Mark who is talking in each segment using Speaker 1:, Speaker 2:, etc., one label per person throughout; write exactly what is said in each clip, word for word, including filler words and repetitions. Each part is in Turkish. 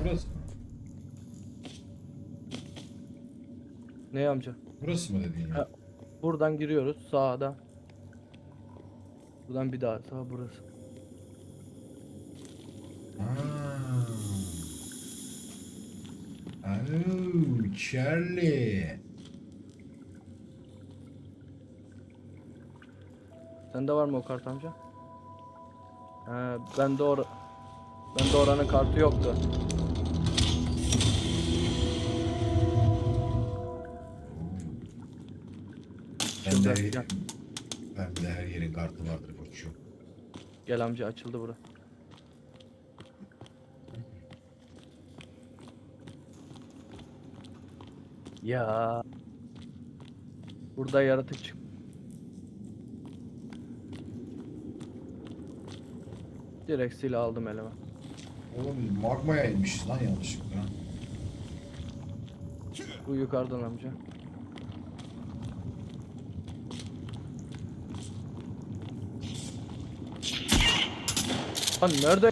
Speaker 1: Burası mı?
Speaker 2: Ne amca?
Speaker 1: Burası mı dedin ya?
Speaker 2: Ha, buradan giriyoruz sağda. Buradan bir daha sağ burası.
Speaker 1: Aa. Alo, Charlie.
Speaker 2: Sende var mı o kart amca? He, bende or bende oranın kartı yoktu.
Speaker 1: Ben
Speaker 2: Şurada,
Speaker 1: de,
Speaker 2: gel.
Speaker 1: ben de her yerin kartı vardır koçum.
Speaker 2: Gel amca, açıldı bura. Ya burada yaratık çık. Direkt silah aldım elime.
Speaker 1: Oğlum biz magmaya inmişiz lan yanlışlıkla.
Speaker 2: Bu yukarıdan amca. Lan nerede?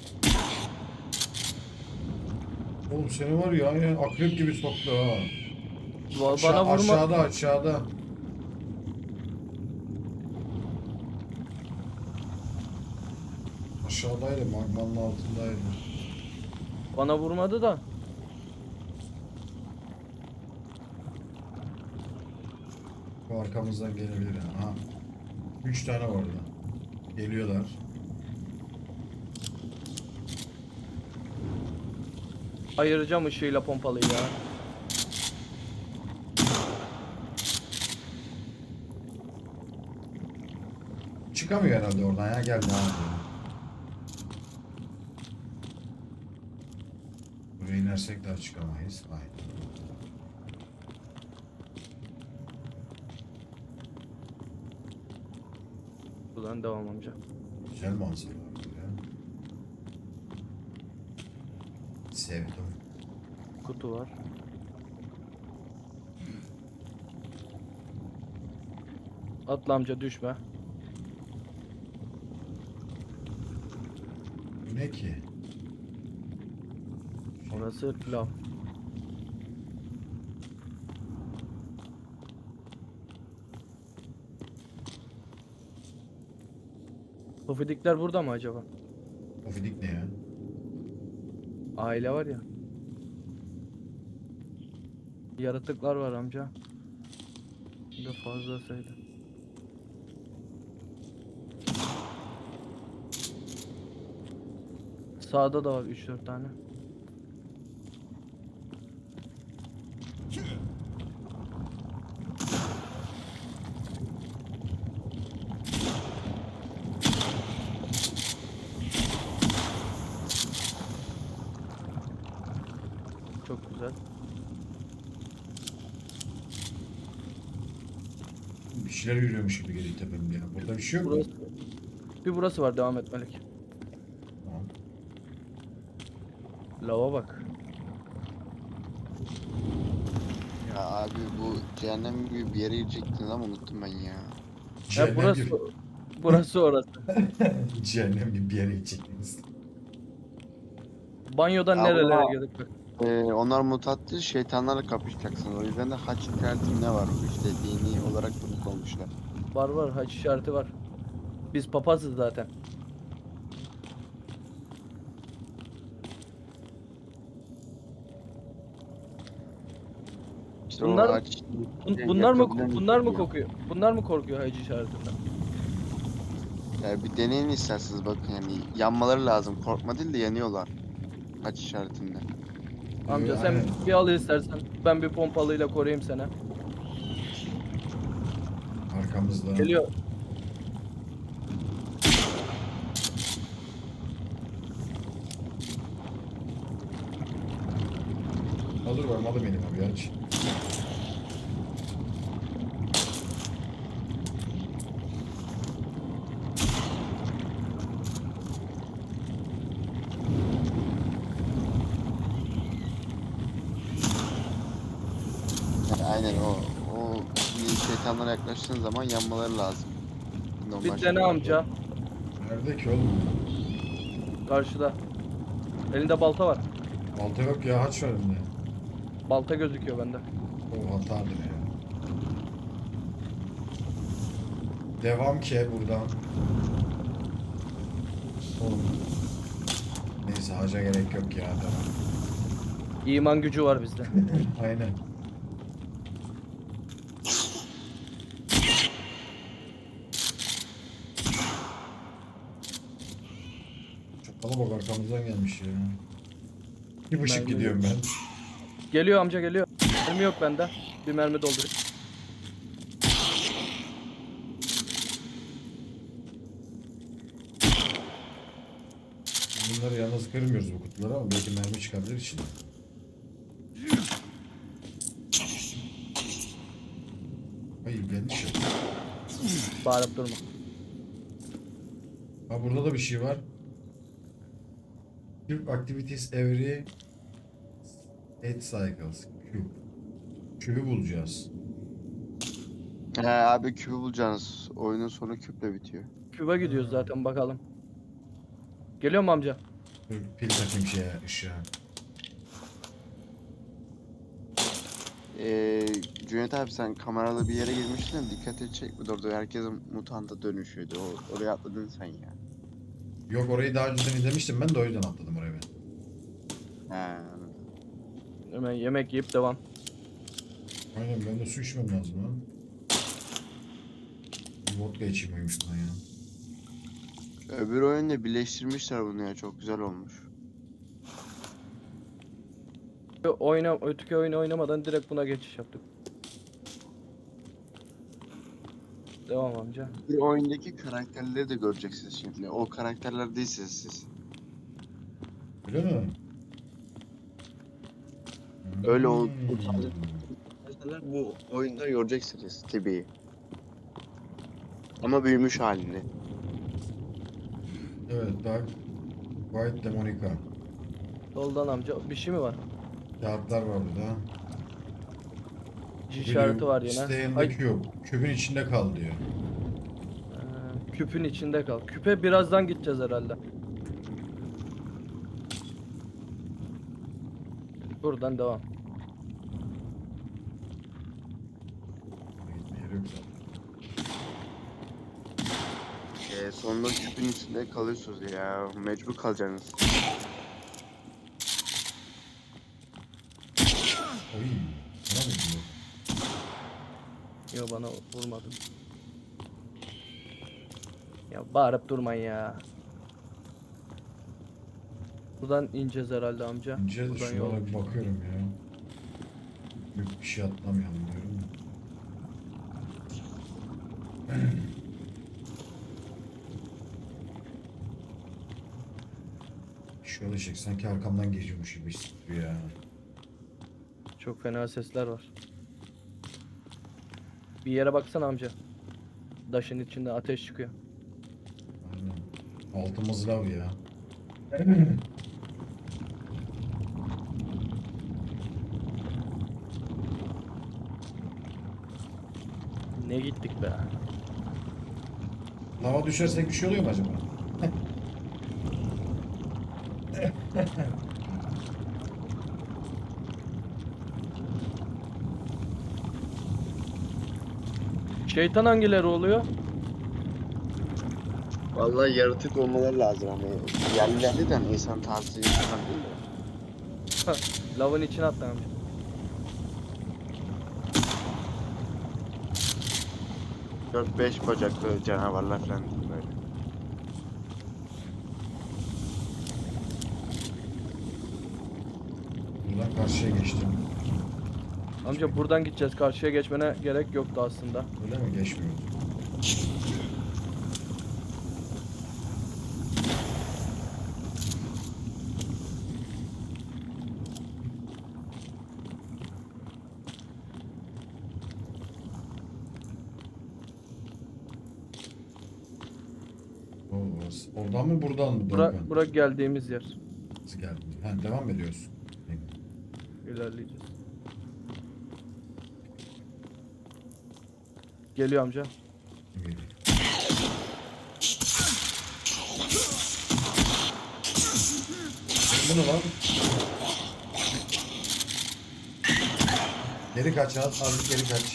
Speaker 1: Oğlum seni var ya aynen akrep gibi soktu ha.
Speaker 2: Ba-
Speaker 1: Aşağı,
Speaker 2: Bana vurma.
Speaker 1: aşağıda aşağıda. Aşağıdaydı magmanın altındaydı.
Speaker 2: Bana vurmadı da.
Speaker 1: Bu arkamızdan gelebilir yani. Ha. Üç tane var orada. Geliyorlar.
Speaker 2: Ayıracağım ışığıyla pompalıyı ya.
Speaker 1: Çıkamıyor herhalde oradan ya. Gel devam edelim. Buraya inersek daha çıkamayız. Hayır.
Speaker 2: Buradan devam amca.
Speaker 1: Güzel manzara var ya. Sevdim.
Speaker 2: Kutu var. Atla amca, düşme.
Speaker 1: Bu ne ki?
Speaker 2: Orası lav. Pofidikler burada mı acaba?
Speaker 1: Ofidik ne ya?
Speaker 2: Aile var ya. Yaratıklar var amca. Bir de fazla sayıda. Sağda da var üç dört tane. Çok güzel.
Speaker 1: Bir şeyler yürüyormuş gibi geliyor tepemde ya. Burada bir şey yok mu?
Speaker 2: Burası, bir burası var, devam et Melek.
Speaker 1: Tamam.
Speaker 2: Lava bak.
Speaker 3: Ya abi bu cehennem gibi bir yere girecektin ama unuttum ben ya.
Speaker 2: Ya
Speaker 1: Cehennem
Speaker 2: burası
Speaker 1: gibi.
Speaker 2: burası orası.
Speaker 1: Cehennem gibi bir yere gidecektiniz.
Speaker 2: Banyodan
Speaker 3: Ama-
Speaker 2: nerelere geldik bak.
Speaker 3: Ee, onlar mutatlı şeytanlarla kapışacaksınız. O yüzden de haç işareti ne var? İşte dini olarak bunu koymuşlar.
Speaker 2: Var var, haç işareti var. Biz papazız zaten.
Speaker 3: İşte
Speaker 2: Bunlar-
Speaker 3: o haç...
Speaker 2: Bun- bunlar mı
Speaker 3: yakabilen
Speaker 2: bunlar mı
Speaker 3: yapıyor.
Speaker 2: kokuyor? Bunlar mı korkuyor hac işaretinden?
Speaker 3: Ya bir deneyin isterseniz bakın yani yanmaları lazım. Korkma değil de yanıyorlar. Haç işaretinde.
Speaker 2: Amca
Speaker 1: Ee,
Speaker 2: sen
Speaker 1: aynen.
Speaker 2: bir al istersen. Ben bir pompalıyla koruyayım seni.
Speaker 1: Arkamızda.
Speaker 2: Geliyor.
Speaker 1: Alır var malı benim abi aç.
Speaker 3: Yani aynen o. O bir şeytanlara yaklaştığın zaman yanmaları lazım. Normal
Speaker 2: Bir dene
Speaker 3: şartlarda.
Speaker 2: amca.
Speaker 1: Nerede ki oğlum?
Speaker 2: Karşıda. Elinde balta var.
Speaker 1: Balta yok ya, haç var bende.
Speaker 2: Balta gözüküyor bende.
Speaker 1: O hatadır ya. Devam ki buradan. Oğlum. Neyse haca gerek yok ya, devam.
Speaker 2: İman gücü var bizde.
Speaker 1: Aynen. Çakala bak, arkamızdan gelmiş ya. Bir ışık
Speaker 2: Mermi
Speaker 1: gidiyorum ben.
Speaker 2: Geliyor amca, geliyor. Mermi yok bende. Bir mermi doldurayım.
Speaker 1: Bunları yalnız kırmıyoruz bu kutuları ama belki mermi çıkabilir içinde. Hayır, gelmiş ya.
Speaker 2: Bağırıp durma.
Speaker 1: Ha, burada da bir şey var. Cube activities every eight cycles. Cube. Cube'ü bulacağız.
Speaker 3: He abi küpü bulacaksınız. Oyunun sonu küple bitiyor.
Speaker 2: Küba gidiyoruz zaten, bakalım. Geliyor mu amca?
Speaker 1: Dur, pil takayım şeye, ışığa.
Speaker 3: Ee, Cüneyt abi sen kameralı bir yere girmiştin de dikkatini çekmedi orada. Herkes mutanta dönüşüyordu. O, oraya atladın sen ya.
Speaker 1: Yok, orayı daha önceden izlemiştim ben de, o yüzden atladım oraya ben.
Speaker 3: He anladım.
Speaker 2: Hemen yemek yiyip devam.
Speaker 1: Aynen, ben de su içmem lazım lan. Bir vodka içeyim uyumuş buna ya.
Speaker 3: Öbür oyunda birleştirmişler bunu ya. Çok güzel olmuş.
Speaker 2: Oyna, öteki oyunu oynamadan direkt buna geçiş yaptık. Devam amca.
Speaker 3: Bir oyundaki karakterleri de göreceksiniz şimdi. O karakterler değilsiniz siz.
Speaker 1: Öyle mi?
Speaker 3: Öyle ol-
Speaker 1: Hmm.
Speaker 3: Mesela bu oyunda göreceksiniz Tibi'yi. Ama büyümüş halini.
Speaker 1: Evet, Dark White Demonica.
Speaker 2: Soldan amca. Bir şey mi var?
Speaker 1: Kağıtlar var burada.
Speaker 2: İşareti var yine.
Speaker 1: Stay in the
Speaker 2: Ay,
Speaker 1: cube. Kübün içinde kal diyor.
Speaker 2: Ee, küpün içinde kal. Küpe birazdan gideceğiz herhalde. Buradan devam.
Speaker 1: Gitme yeri yok zaten.
Speaker 3: Ee, sonunda küpün içinde kalıyorsunuz ya. Mecbur kalacaksınız.
Speaker 1: Oy. Bana mı gidiyor?
Speaker 2: Yo, bana vurmadı. Ya bağırıp durmayın ya. Buradan ineceğiz herhalde amca.
Speaker 1: İnce
Speaker 2: Buradan
Speaker 1: şu
Speaker 2: yol.
Speaker 1: yola bir bakıyorum ya. Büyük bir şey atlamayalım diyorum da. Şöyle çek, sanki arkamdan geçiyormuş gibi hissediyor ya.
Speaker 2: Çok fena sesler var. Bir yere baksana amca. Daşın içinde ateş çıkıyor.
Speaker 1: Aynen. Altımız lav ya.
Speaker 2: Ne gittik be.
Speaker 1: Lava düşersek bir şey oluyor mu acaba?
Speaker 2: Şeytan hangileri oluyor?
Speaker 3: Vallahi yaratık olmaları lazım hani. Yerlilerde de hani insan tarzı insan değil de.
Speaker 2: Lavın içine atla amca.
Speaker 3: dört beş bacaklı canavarlar falan böyle.
Speaker 1: Buradan karşıya geçtim.
Speaker 2: Amca buradan gideceğiz. Karşıya geçmene gerek yoktu aslında.
Speaker 1: Öyle mi? Geçmiyor. O, orası. Oradan mı buradan mı?
Speaker 2: Bura,
Speaker 1: Doğukan?
Speaker 2: bura geldiğimiz yer.
Speaker 1: Nasıl geldin? Ha, devam mı ediyorsun?
Speaker 2: İlerleyeceğiz. Geliyor amca.
Speaker 1: Geliyor. Bu ne lan? Geri kaç az, az geri kaç.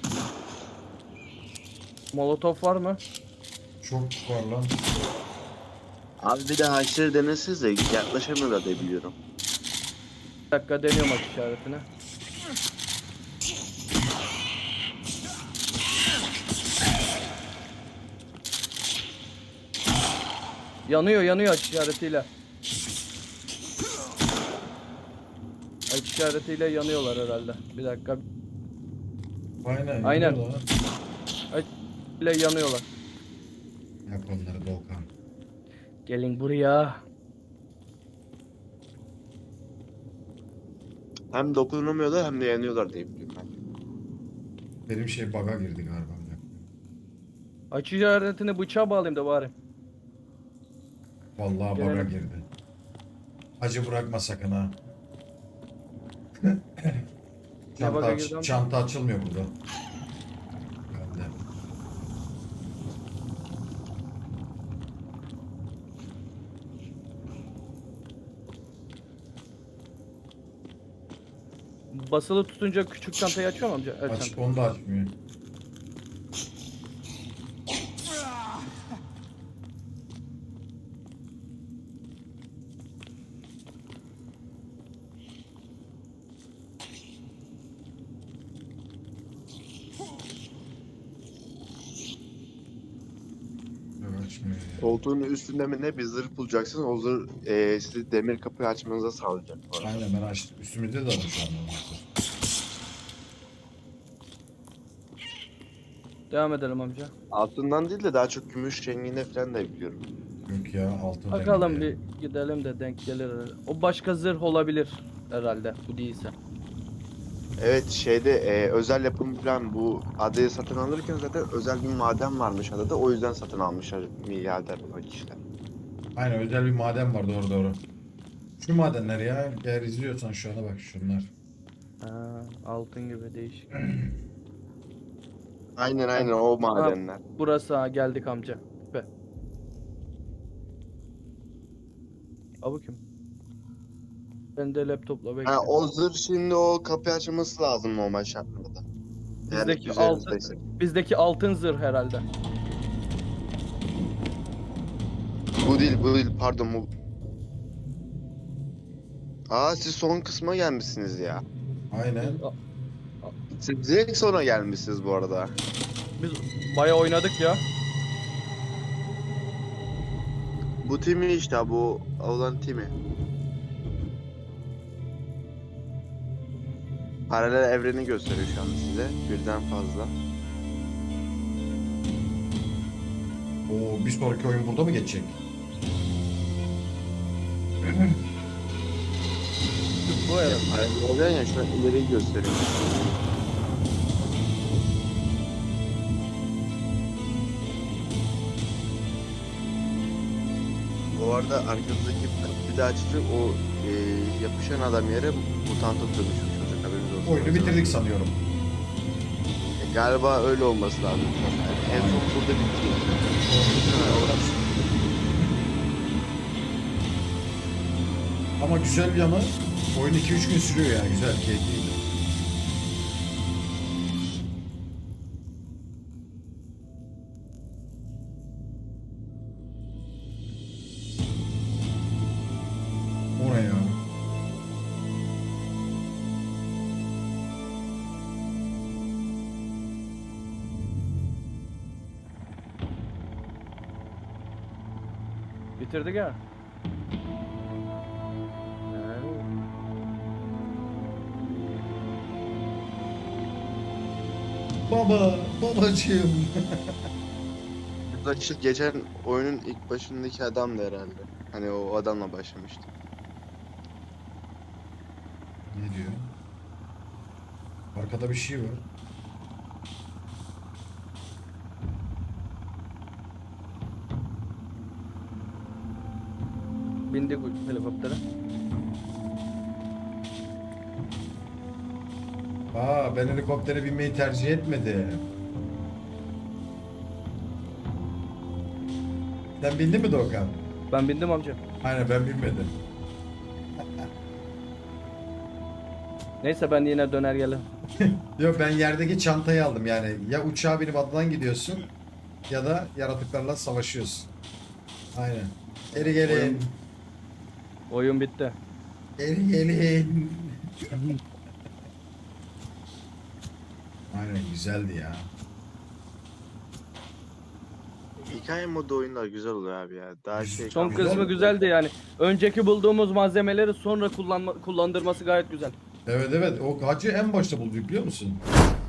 Speaker 2: Molotof var mı?
Speaker 1: Çok var lan.
Speaker 3: Abi bir de haşları denesiniz de yaklaşamıyorlar diye biliyorum.
Speaker 2: Bir dakika deniyorum aç işaretini. Yanıyor yanıyor aç işaretiyle. Aç işaretiyle yanıyorlar herhalde. Bir dakika.
Speaker 1: Aynen.
Speaker 2: Aynen.
Speaker 1: yanıyor lan.
Speaker 2: Aç ile yanıyorlar.
Speaker 1: Yap onları Doğukan.
Speaker 2: Gelin buraya.
Speaker 3: Hem dokunamıyorlar hem de yanıyorlar diye biliyorum ben.
Speaker 1: Benim şey bug'a girdi galiba.
Speaker 2: Aç işaretini bıçağa bağlayayım da bari.
Speaker 1: Vallahi bug'a
Speaker 2: Gelelim.
Speaker 1: girdi. Acı bırakma sakın ha.
Speaker 2: Ne
Speaker 1: çanta,
Speaker 2: bug'a
Speaker 1: aç-
Speaker 2: girdi amca?
Speaker 1: çanta açılmıyor burada. Bende.
Speaker 2: Basılı tutunca küçük çantayı açıyor mu amca? Evet,
Speaker 1: Aç,
Speaker 2: çanta.
Speaker 1: onu da açmıyor. Yok, açmıyor. ya.
Speaker 3: Koltuğun üstünde mi ne bir zırh bulacaksın. O zırh e, sizi demir kapıyı açmanıza sağlayacak. bu arada.
Speaker 1: Aynen ben açtım. Üstümüzde de var şu an. olması.
Speaker 2: Devam edelim amca.
Speaker 3: Altından değil de daha çok gümüş renginde falan da biliyorum.
Speaker 1: Yok ya altın
Speaker 2: Bakalım
Speaker 1: rengi.
Speaker 2: bir gidelim de denk gelir herhalde. O başka zırh olabilir herhalde bu değilse.
Speaker 3: Evet şeyde e, özel yapım falan bu adayı satın alırken zaten özel bir maden varmış adada. O yüzden satın almışlar milyarder o kişiler.
Speaker 1: Aynen özel bir maden var doğru doğru. Şu madenler ya eğer izliyorsan şu ana bak şunlar.
Speaker 2: Ha, altın gibi değişik.
Speaker 3: Aynen aynen o madenler.
Speaker 2: Burası ha, geldik amca. Be. Al bakayım. Ben de laptopla
Speaker 3: Ha,
Speaker 2: bekliyorum.
Speaker 3: o zırh şimdi o kapıyı açması lazım normal şartlarda. Eğer
Speaker 2: Bizdeki
Speaker 3: üzerinizdeyse.
Speaker 2: Bizdeki altın zırh herhalde.
Speaker 3: Bu değil bu değil pardon bu. Aa siz son kısma gelmişsiniz ya.
Speaker 1: Aynen.
Speaker 3: Siz direkt sonra gelmişsiniz bu arada.
Speaker 2: Biz bayağı oynadık ya.
Speaker 3: Bu timi işte bu olan timi. Paralel evreni gösteriyor şu an size. Birden fazla.
Speaker 1: Oo bir sonraki oyun burada mı geçecek?
Speaker 2: Bu herhalde.
Speaker 3: Paralel evren ya şu an ileriyi gösteriyor. Bu arada arkanızdaki bir daha açacak o e, yapışan adam yere mutanta dönüşmüş olacak haberiniz olsun.
Speaker 1: Oyunu bitirdik sanıyorum.
Speaker 3: E, galiba öyle olması lazım. Yani en son burada bitti.
Speaker 1: Ama güzel bir yanı oyun iki üç gün sürüyor yani güzel keyifliydi. O ne ya?
Speaker 2: Bitirdik ya.
Speaker 1: Baba, babacığım.
Speaker 3: Burada işte geçen oyunun ilk başındaki adam da herhalde. Hani o adamla başlamıştı.
Speaker 1: Ne diyor? Arkada bir şey var.
Speaker 2: Bindik helikoptere.
Speaker 1: Aa ben helikoptere binmeyi tercih etmedim. Sen bindin mi Doğukan?
Speaker 2: Ben bindim amca.
Speaker 1: Aynen ben binmedim.
Speaker 2: Neyse ben yine döner gelirim.
Speaker 1: Yok ben yerdeki çantayı aldım yani. Ya uçağa binip adadan gidiyorsun ya da yaratıklarla savaşıyorsun. Aynen. Geri gelin.
Speaker 2: Oyun bitti.
Speaker 1: Geri gelin. Aynen güzeldi ya.
Speaker 3: Hikaye modu oyunlar güzel oluyor abi ya. Daha şey
Speaker 2: Son
Speaker 3: kalmadı.
Speaker 2: kısmı güzeldi yani. Önceki bulduğumuz malzemeleri sonra kullanma, kullandırması gayet güzel.
Speaker 1: Evet evet o hacı en başta bulduk biliyor musun?